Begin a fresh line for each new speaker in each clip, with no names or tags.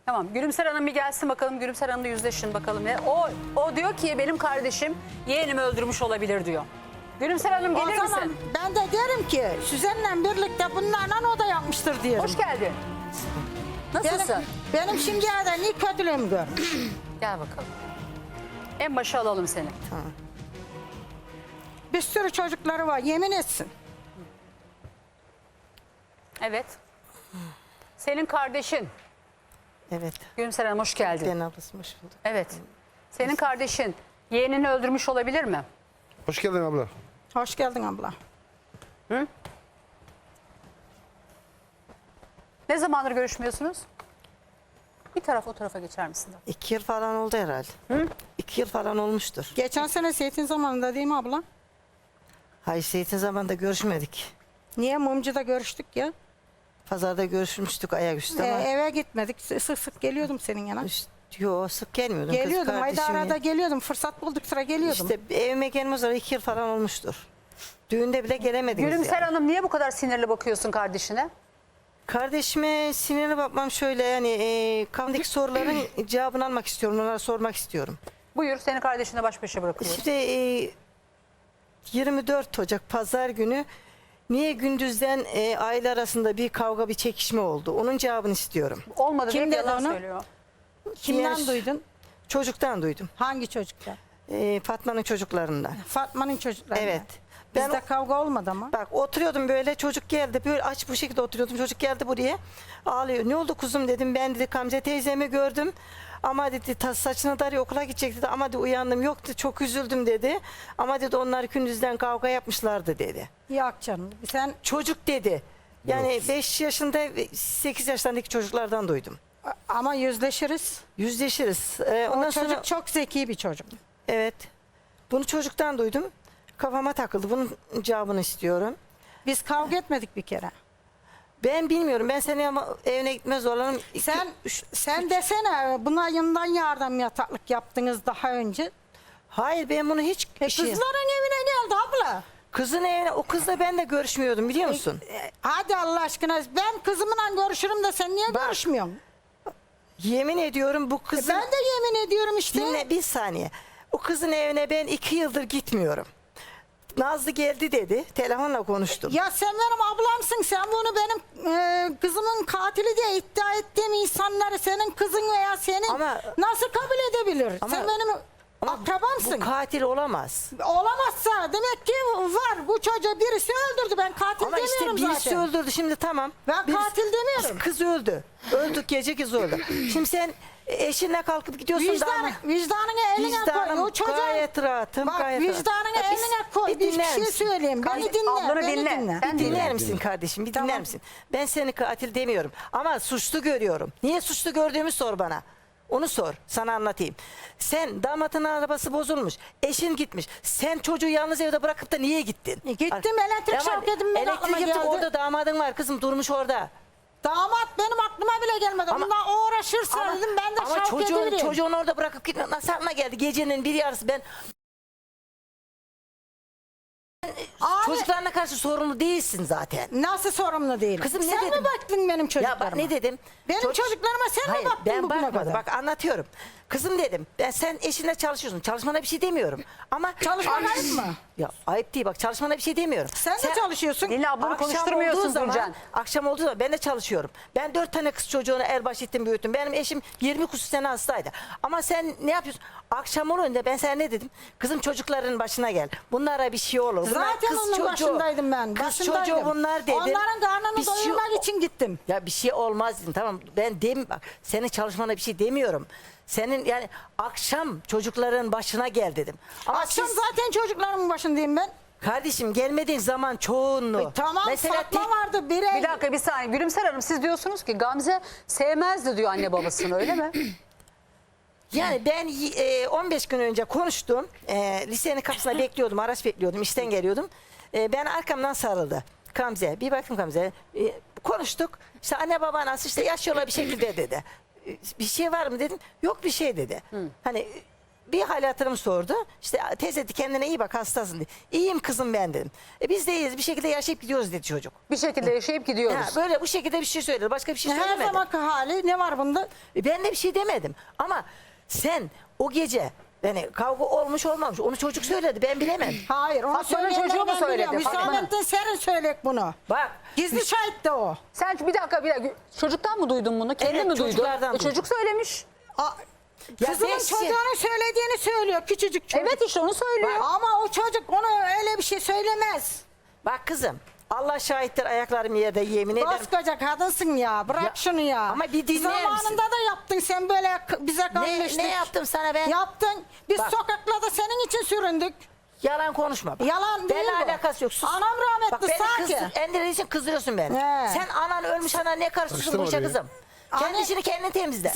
Tamam, Gülümser Hanım bir gelsin bakalım. Gülümser Hanım'la yüzleşin bakalım. O diyor ki benim kardeşim yeğenimi öldürmüş olabilir diyor. Gülümser Hanım
O
gelir
zaman
misin?
ben de derim ki Süzen'le birlikte bunlarla o da yapmıştır diyorum.
Hoş geldin. Nasılsın?
Benim şimdiye kadar ne kötülüğümü görmüş.
Gel bakalım. En başa alalım seni.
Bir sürü çocukları var, yemin etsin.
Evet. Senin kardeşin.
Evet.
Gülümser Hanım hoş geldin.
Ben ablası hoş bulduk.
Evet. Senin kardeşin yeğenini öldürmüş olabilir mi?
Hoş geldin abla.
Hoş geldin abla.
Ne zamandır görüşmüyorsunuz? Bir taraf o tarafa geçer misin?
2 yıl falan oldu herhalde. 2 yıl falan olmuştur.
Geçen sene Seyit'in zamanında değil mi abla?
Hayır, Seyit'in zamanında görüşmedik.
Niye? Mumcu'da görüştük ya.
Pazarda görüşmüştük ayaküstü ama.
Eve gitmedik. Sık sık geliyordum senin yana.
Yo, sık gelmiyordum.
Geliyordum. Ayda
kardeşim
arada
ya.
geliyordum. Fırsat buldukça geliyordum.
İşte evime gelmez sonra 2 yıl falan olmuştur. Düğünde bile gelemediniz
Gülümser
yani.
Hanım niye bu kadar sinirli bakıyorsun kardeşine?
Kardeşime sinirli bakmam şöyle yani kafamdaki soruların cevabını almak istiyorum. Onlara sormak istiyorum.
Buyur seni kardeşine baş başa bırakıyorum.
İşte 24 Ocak Pazar günü niye gündüzden aile arasında bir kavga bir çekişme oldu? Onun cevabını istiyorum.
Olmadı
Kim
diye
dedi
yalan
onu?
söylüyor.
Kimden
Diğer-
duydun?
Çocuktan duydum.
Hangi çocuktan?
Fatma'nın çocuklarından.
Fatma'nın çocukları.
Evet.
Bizde kavga olmadı ama.
Bak oturuyordum böyle çocuk geldi böyle aç bu şekilde oturuyordum çocuk geldi buraya ağlıyor. Ne oldu kuzum dedim ben dedi Gamze teyzemi gördüm ama dedi saçını darıyor okula gidecek dedi ama dedi uyandım yoktu çok üzüldüm dedi ama dedi onlar gündüzden kavga yapmışlardı dedi.
Yok canım. Sen
Çocuk dedi yani 5 yaşında 8 yaşlarındaki çocuklardan duydum.
ama yüzleşiriz.
Yüzleşiriz.
O
Ondan
çocuk
sonra
çok zeki bir çocuk.
evet bunu çocuktan duydum kafama takıldı bunun cevabını istiyorum.
Biz kavga etmedik bir kere.
Ben bilmiyorum. Ben seni ama evine gitmez olalım.
Sen desene buna yanından yardım yataklık yaptınız daha önce.
Hayır ben bunu hiç
Kızların evine geldi abla.
Kızın evine o kızla ben de görüşmüyordum biliyor musun?
Hadi Allah aşkına ben kızımla görüşürüm de sen niye
Bak,
görüşmüyorsun?
Yemin ediyorum bu kızın
Ben de yemin ediyorum işte.
dinle bir saniye. O kızın evine ben 2 yıldır gitmiyorum. Nazlı geldi dedi. Telefonla konuştum.
Ya sen benim ablamsın. Sen bunu benim kızımın katili diye iddia ettiğim insanları senin kızın veya senin
Ama-
nasıl kabul edebilir?
Ama-
sen benim
Ama
akrabamsın.
bu katil olamaz.
Olamazsa demek ki var. Bu çocuğu birisi öldürdü. Ben katil
Ama işte
demiyorum
birisi
zaten.
öldürdü şimdi tamam.
Ben katil demiyorum.
Kız öldü. Öldük gece kız öldü. Şimdi sen eşinle kalkıp gidiyorsun da ama...
Vicdanını eline koy.
Vicdanım
O çocuğa
gayet rahatım.
bak
gayet
vicdanını
rahatım.
eline koy. Bir
dinler
şey
misin?
söyleyeyim. Beni dinle.
ablanı
Beni
dinle.
dinle.
Sen
Bir dinler
dinle.
misin kardeşim? Bir
Tamam.
dinler misin? Ben seni katil demiyorum. Ama suçlu görüyorum. Niye suçlu gördüğümü sor bana. Onu sor. Sana anlatayım. Sen damatın arabası bozulmuş. Eşin gitmiş. Sen çocuğu yalnız evde bırakıp da niye gittin?
Gittim elektrik
Ama
şoketim benim aklıma
elektrik yaptık
geldi.
orada damadın var kızım durmuş orada.
Damat benim aklıma bile gelmedi.
Ama-
Bundan uğraşırsa dedim ben de
ama
Şevket'i vereyim.
çocuğunu orada bırakıp gitme. Nasıl aklına geldi? Gecenin bir yarısı ben
Abi,
çocuklarına karşı sorumlu değilsin zaten.
nasıl sorumlu değilim?
Kızım ne
sen
dedim?
mi baktın benim
Ya
çocuklarıma?
bak ne dedim?
Benim çocuklarıma sen
Hayır,
mi baktın
ben
bugüne
bakmadım.
kadar?
Bak anlatıyorum. Kızım dedim. Sen eşinle çalışıyorsun. Çalışmana bir şey demiyorum. Ama
Çalışman ayıp mı?
Ya ayıp değil bak çalışmana bir şey demiyorum.
Sen de çalışıyorsun.
Dinle ablanı
Akşam
konuşturmuyorsun
olduğu zaman-
Gülcan.
Akşam olduğu zaman ben de çalışıyorum. Ben 4 tane kız çocuğunu el baş ettim büyüttüm. Benim eşim 20 küsur sene hastaydı. Ama sen ne yapıyorsun? Akşam olunca ben sana ne dedim? Kızım çocukların başına gel. Bunlara bir şey olur. Bunlar
Zaten
kız
onun
çocuğu.
başındaydım ben.
Kız
Başındaydım.
çocuğu bunlar dedim.
Onların karnını
Bir şey-
doyurmak için gittim.
Ya bir şey olmaz dedim tamam ben bak senin çalışmana bir şey demiyorum. Senin yani akşam çocukların başına gel dedim. Ama
Akşam
siz-
zaten çocuklarımın başındayım ben.
kardeşim gelmediğin zaman çoğunluğu.
Tamam Fatma
tek-
vardı.
Bir dakika bir saniye. Gülümser Hanım siz diyorsunuz ki Gamze sevmezdi diyor anne babasını öyle mi?
Yani ben 15 gün önce konuştum. Lisenin kapısına bekliyordum, araç bekliyordum, işten geliyordum. Ben arkamdan sarıldı. Gamze, bir baktım Gamze. Konuştuk. İşte anne baba nasıl işte yaşıyorlar bir şekilde dedi. Bir şey var mı dedim. Yok bir şey dedi. Hani bir hal hatırımı sordu. İşte teyze dedi, kendine iyi bak, hastasın diye. İyiyim kızım ben dedim. Biz de iyiyiz, bir şekilde yaşayıp gidiyoruz dedi çocuk.
Bir şekilde yaşayıp gidiyoruz.
Ha, böyle bu şekilde bir şey söyledi. Başka bir şey
Her
söylemedi.
zamanki hali ne var bunda?
Ben de bir şey demedim. Ama sen o gece yani kavga olmuş olmamış onu çocuk söyledi, ben bilemem.
Hayır, onu
Fatma'nın
söyleyenler
çocuğu mu
ben
söyledi?
biliyorum.
Fatma'nın.
Hüsamettin Serin söyleyek bunu.
Bak
Gizli şahit de o.
Sen bir dakika çocuktan mı duydun bunu? Kendi
Evet,
mi duydun?
çocuklardan duydum.
Çocuk söylemiş.
ya
Kızımın
ben-
çocuğunun söylediğini söylüyor, küçücük çocuk.
Evet işte onu söylüyor.
Ama o çocuk onu öyle bir şey söylemez.
Bak kızım, Allah şahittir, ayaklarım yerde, yemin ederim.
Koskoca kadınsın ya, bırak
Ya,
şunu ya.
ama bir dinler misin?
Zamanında da yaptın sen böyle bize kalmıştık.
Ne yaptım sana ben?
Yaptın. Biz
Bak.
sokaklarda senin için süründük.
Yalan konuşma. Bak.
Yalan değil
Benimle
bu.
alakası yok. Sus.
Anam rahmetli
Bak beni
sanki.
Endir'in için kızdırıyorsun beni.
He.
Sen anan ölmüş, anan ne karışıyorsun
Karıştırma
bu işe
orayı.
kızım? Kendi
Anne-
işini kendin temizle.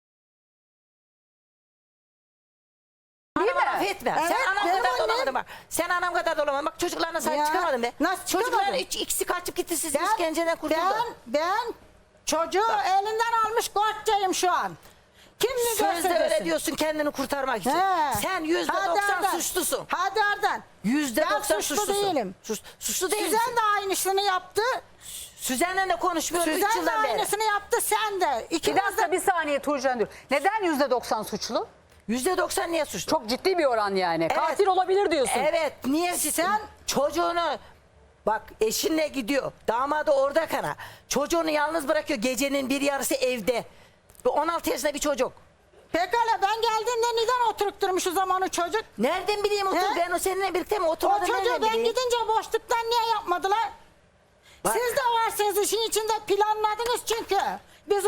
Değil
Anama laf
mi?
etme.
Evet,
Sen anam
benim
kadar
annem-
dolamadın bak. Sen anam kadar dolamadın. Bak çocuklarına sahip
Ya,
çıkamadın be.
nasıl
Çocukların
çıkamadım?
ikisi kaçıp gitti, siz işkenceden kurtuldun.
Ben çocuğu elinden almış koçcayım şu an. Kim ne
Sözde
derse
öyle
desin.
diyorsun kendini kurtarmak için.
He.
Sen
Hadi
%90
oradan.
suçlusun.
Hadi oradan.
%90
Ben suçlu
suçlusun.
değilim.
Suçlu değilsin.
Süzen de aynısını yaptı.
Süzen'le de konuşmuyorum 3
Süzen de
yıldan beri.
aynısını yaptı, sen de.
Bir
İkiniz
dakika
de.
bir saniye Tuğcan dur. Neden %90 suçlu?
%90 niye suçlu?
Çok ciddi bir oran yani. Katil olabilir diyorsun.
Evet, niye sen çocuğunu bak eşinle gidiyor, damadı orada kana, çocuğunu yalnız bırakıyor, gecenin bir yarısı evde. Bu 16 yaşında bir çocuk.
Pekala, ben geldiğimde neden oturup durmuş o zaman o çocuk?
Nereden bileyim otur?
He?
Ben o seninle birlikte mi
O
oturmadım?
çocuğu
nereden
ben
bileyim?
gidince boşluktan niye yapmadılar?
Bak.
Siz de varsınız işin içinde, planladınız çünkü. Biz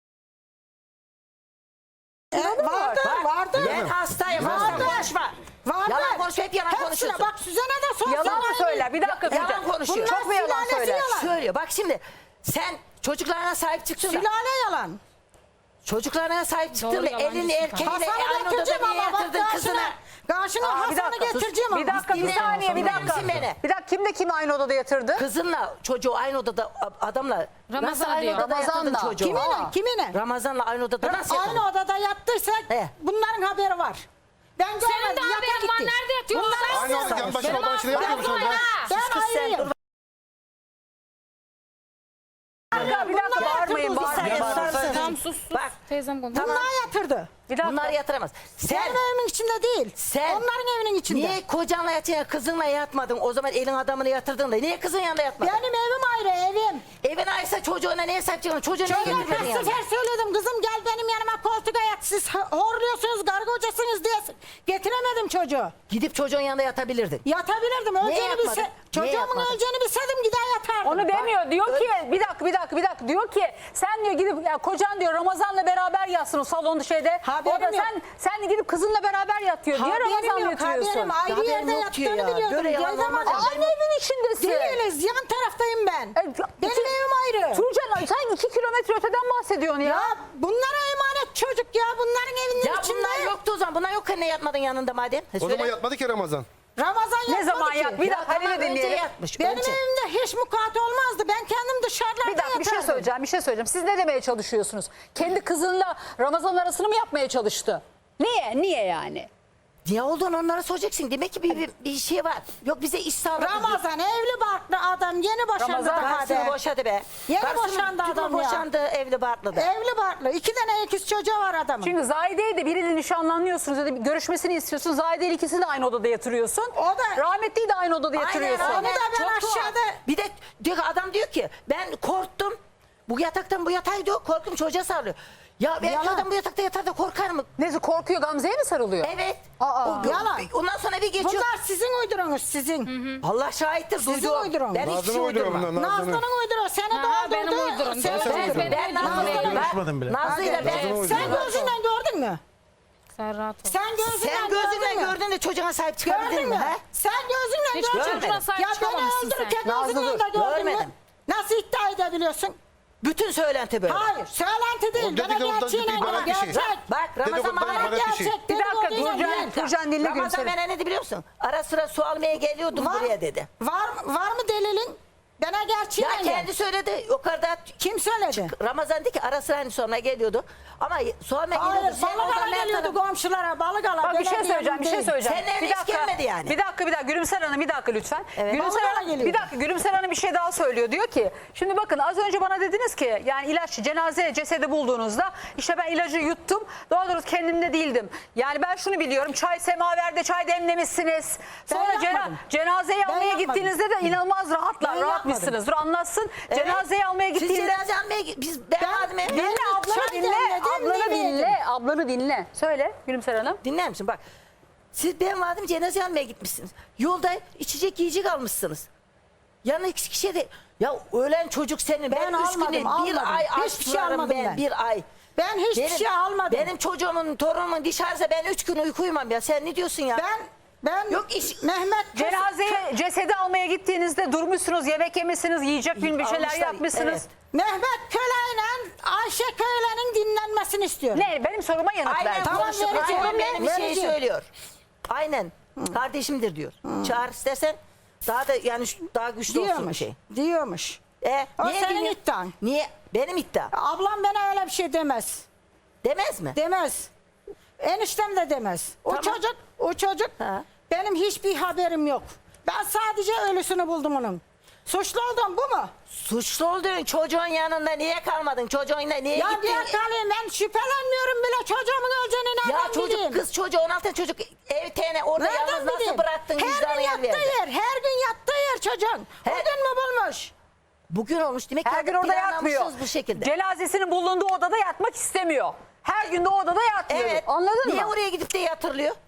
vardı,
Bak,
vardı.
ben hastayım, hasta
Vardı.
konuşma.
Vardı.
Yalan konuşma, hep yalan
Hepsine
konuşuyorsun.
bak, Süzen'e de sorsan.
Yalan mı
aynı.
söyler? Bir dakika.
Yalan
Tuğcan.
konuşuyor.
Çok mu yalan
Sülalesi
söyler?
yalan.
Söylüyor. Bak şimdi sen çocuklarına sahip çıktın da.
Sülale yalan.
Çocuklarına sahip çıktın da elini erkeğiyle
Hasan'ı
aynı odada
getireceğim
niye
ama bak
yatırdın kızına?
Karşına
Bir
Hasan'ı
dakika,
getireceğim ama.
bir dakika, bir
Dinle.
saniye, bir
Dinler
dakika.
misin beni?
Bir dakika, kimle kimi aynı odada yatırdı?
Kızınla çocuğu aynı odada adamla
Ramazan
nasıl aynı
diyor.
odada yatırdın
Ramazan'la.
çocuğu?
Kiminle? Kiminle?
Ramazan'la aynı odada nasıl yatırdın?
Aynı odada yattıysak
He.
bunların haberi var. Ben görmedim.
Senin de
yata
haberin var.
gitti.
Nerede yatıyorsun
Bunlar
sen?
Aynı
nasıl-
odada yan başına
Benim
odanın içinde yapmıyor musun?
ağzım var ha.
Ben
Kız sen
ayrıyım.
dur.
Bir dakika, bağırmayın,
Bir saniye
bağırmayın.
susar mısın?
Tamam sus sus.
Bak.
Teyzem konuş.
Tamam.
Bunlar yatırdı.
Bir dakika.
Bunlar yatıramaz. Sen
Benim evimin içinde değil.
Sen
Onların evinin içinde.
niye kocanla yatıyorsun, kızınla yatmadın? O zaman elin adamını yatırdın da niye kızın yanında yatmadın?
Benim evim ayrı, evim.
Evin ayrıysa çocuğuna niye sahip çıkıyorsun? Çocuğuna niye
Çocuğa
getirmedin
kaç
yanına?
sefer söyledim, kızım gel benim yanıma koltuğa yat. Siz horluyorsunuz, kargocasınız diye getiremedim çocuğu.
Gidip çocuğun yanında yatabilirdin.
Yatabilirdim, öleceğini
yapmadın?
bilse.
Niye
Çocuğumun
yapmadın?
öleceğini bilseydim gider yatardım.
Onu demiyor. Diyor ki bir dakika diyor ki sen diyor gidip ya kocan diyor Ramazan'la beraber yatsın o salonda şeyde.
Haberim
Orada
yok.
sen de gidip kızınla beraber yat diyor. Niye
Haberim
Ramazan'la
yok,
yatırıyorsun?
haberim. Ayrı
Haberim
yerde
yok diyor
yattığını
ya.
biliyordum.
Böyle yalan
Geldim
olmaz
ama-
ya.
Aynı evin içindesin.
Değiliz, yan taraftayım ben. Benim evim ayrı.
Tuğcan sen 2 kilometre öteden bahsediyorsun ya.
Ya bunlara emanet çocuk ya, bunların evinin
Ya
içinde.
bunlar yoktu o zaman. Bunlar yok ne yatmadın yanında madem?
O zaman yatmadı ki Ramazan.
Ramazan
Ne
yapmadı
zaman
ki.
yat? Bir dakika
Tamam,
Halil'i
önce
dinleyelim.
yatmış.
Benim
önce.
evimde hiç mukat olmazdı. Ben kendim dışarılarda
Bir dakika bir şey
yatardım.
söyleyeceğim. Siz ne demeye çalışıyorsunuz? Kendi kızınla Ramazan arasını mı yapmaya çalıştı? Niye yani?
Niye olduğunu onlara soracaksın. Demek ki bir şey var. Yok bize iş sağladı.
Ramazan evli barklı adam, yeni boşandı
Ramazan
daha
Karısını
da.
boşadı be.
Yeni
Karısını
boşandı
tümü
adam ya.
boşandı evli barklı da.
Evli barklı. 2 tane ikiz çocuğu var adamın.
Çünkü Zahide'yi de biriyle nişanlanıyorsunuz ya da bir görüşmesini istiyorsun. Zahide ile ikisini de aynı odada yatırıyorsun.
O da-
Rahmetliyi de aynı odada yatırıyorsun.
Onu da ben
Çok tuhaf.
aşağıda-
Bir de diyor ki, adam diyor ki ben korktum. Bu yataktan bu yatağa gidiyor. Korktum çocuğa sarılıyor. Ya ben
Yalan.
adam bu yatakta yatar da korkar mı?
Neyse korkuyor Gamze'ye mi sarılıyor?
Evet.
Aa.
Yalan.
Ondan sonra bir geçiyor.
Bunlar sizin uydurunuz, sizin.
Allah şahittir
Sizin
duydu.
uydurun.
Ben hiçbir
Nazlı'nın
şey
uyduruyor
uydurmam.
bunlar.
Nazlı'nın uyduruyor. Seni
Ha,
doldurdu.
benim uydurum.
Seni
Sen
doldurdu.
uydurun.
Ben Nazlı'yla
Konuşmadım bile.
Nazlı'yla ben.
Nazlı'nın
Sen
uyduruyor.
gözünden gördün mü?
Sen rahat ol.
Sen gözünden,
Sen gözünden
gördün mü?
gördün de çocuğuna sahip çıkabildin
Gördün
mi?
mü?
He?
Sen gözünden
Hiç
gördün mü?
çocuğuna sahip
Ya beni
çıkamamışsın sen.
öldürürken
Nazlı
gözünden
dur,
de gördün mü?
görmedim.
Nasıl iddia edebiliyorsun?
Bütün söylenti böyle.
Hayır, söylenti değil.
O
Bana
dedikodudan
gerçeğine
ciddi
bana
ibaret bir şey.
gerçek.
Bak Ramazan
Dedikodudan
bana
ibaret bir şey.
Gerçek.
Bir dakika,
dedikoduyla değil.
Turcan dinle
Ramazan
Gülseren.
bana ne dedi biliyor musun? Ara sıra su almaya geliyordum buraya dedi.
Var mı delilin? Bana gerçeği
Ya kendi söyledi. O kadar
Kim söyledi?
Ramazan dedi ki ara sıra hani sonra geliyordu. Ama sonra
Hayır,
geliyordu. Sen
balık
oradan
ala
ne
geliyordu
taraf-
komşulara, balık ala.
Bak bir şey
belediyenin
söyleyeceğim, bir şey
değil.
söyleyeceğim.
Senin evine hiç gelmedi yani.
Bir dakika. Gülümser Hanım bir dakika lütfen.
Evet.
Gülümser
Vallahi
Hanım,
geliyor.
bir dakika. Gülümser Hanım bir şey daha söylüyor. Diyor ki, şimdi bakın az önce bana dediniz ki yani ilaç, cenaze cesedi bulduğunuzda işte ben ilacı yuttum. Doğru doğrusu kendimde değildim. Yani ben şunu biliyorum. Çay semaverde çay demlemişsiniz. Sonra
yapmadım.
cenazeyi
Ben
almaya
yapmadım.
gittiğinizde de inanılmaz
Ben
rahatmışsınız. Dur anlatsın.
Evet.
Cenazeyi almaya
Siz
gittiğinde...
cenaze almaya ben vardım evde.
Dinle ablanı
çay
dinle.
demledim,
Ablanı
yemeğe
dinle. Ablanı dinle. Söyle Gülümser Hanım.
Dinler misin? Bak. Siz ben vardım cenaze almaya gitmişsiniz. Yolda içecek yiyecek almışsınız. Yanına iki kişiye de ya ölen çocuk senin.
Ben
üç
almadım,
günü, bir
almadım.
ay
Hiçbir şey
açlarım
almadım ben.
Bir ay.
Ben hiçbir şey almadım.
Benim çocuğumun, torunumun dışarıda ben 3 gün uyku uyumam ya. Sen ne diyorsun ya?
Ben
Yok iş-
Mehmet
Cenazeye, cesedi almaya gittiğinizde durmuşsunuz, yemek yemişsiniz, yiyecek bir şeyler
Almışlar,
yapmışsınız.
evet.
Mehmet Köle'yle Ayşe Köle'nin dinlenmesini istiyorum.
Ne? Benim soruma yanıt
Aynen
ver.
Tamam,
konuştuk.
vereceğim,
Aynen benim bir şeyi
vereceğim.
söylüyor. Aynen. Kardeşimdir diyor. Çağır istersen daha da yani daha güçlü olsun bir
Diyormuş.
şey.
Diyormuş. O
Niye
senin
dinliyor?
iddian.
Niye? Benim iddia.
Ablam bana öyle bir şey demez.
Demez mi?
Demez. Eniştem de demez.
Tamam.
O çocuk
Ha.
benim hiçbir haberim yok. Ben sadece ölüsünü buldum onun. Suçlu oldum bu mu?
Suçlu olduğun çocuğun yanında niye kalmadın? Çocuğunla niye
Ya
gittin?
diye kalayım ben şüphelenmiyorum bile çocuğumun öleceğini
Ya
nereden
çocuk
bileyim?
kız çocuğu 16 çocuk ev tene orada
Nereden
yalnız nasıl
bileyim?
bıraktın
Her
vicdanı
gün
yer
yattığı
verdi.
yer, her gün yattığı yer çocuğun. O
He.
gün mü bulmuş?
Bugün olmuş demek ki
Her gün orada yatmıyor.
planlamışsınız bu şekilde.
Cenazesinin bulunduğu odada yatmak istemiyor. Her gün de o odada yatmıyor.
Evet.
Anladın
Niye
mı?
oraya gidip de yatırılıyor?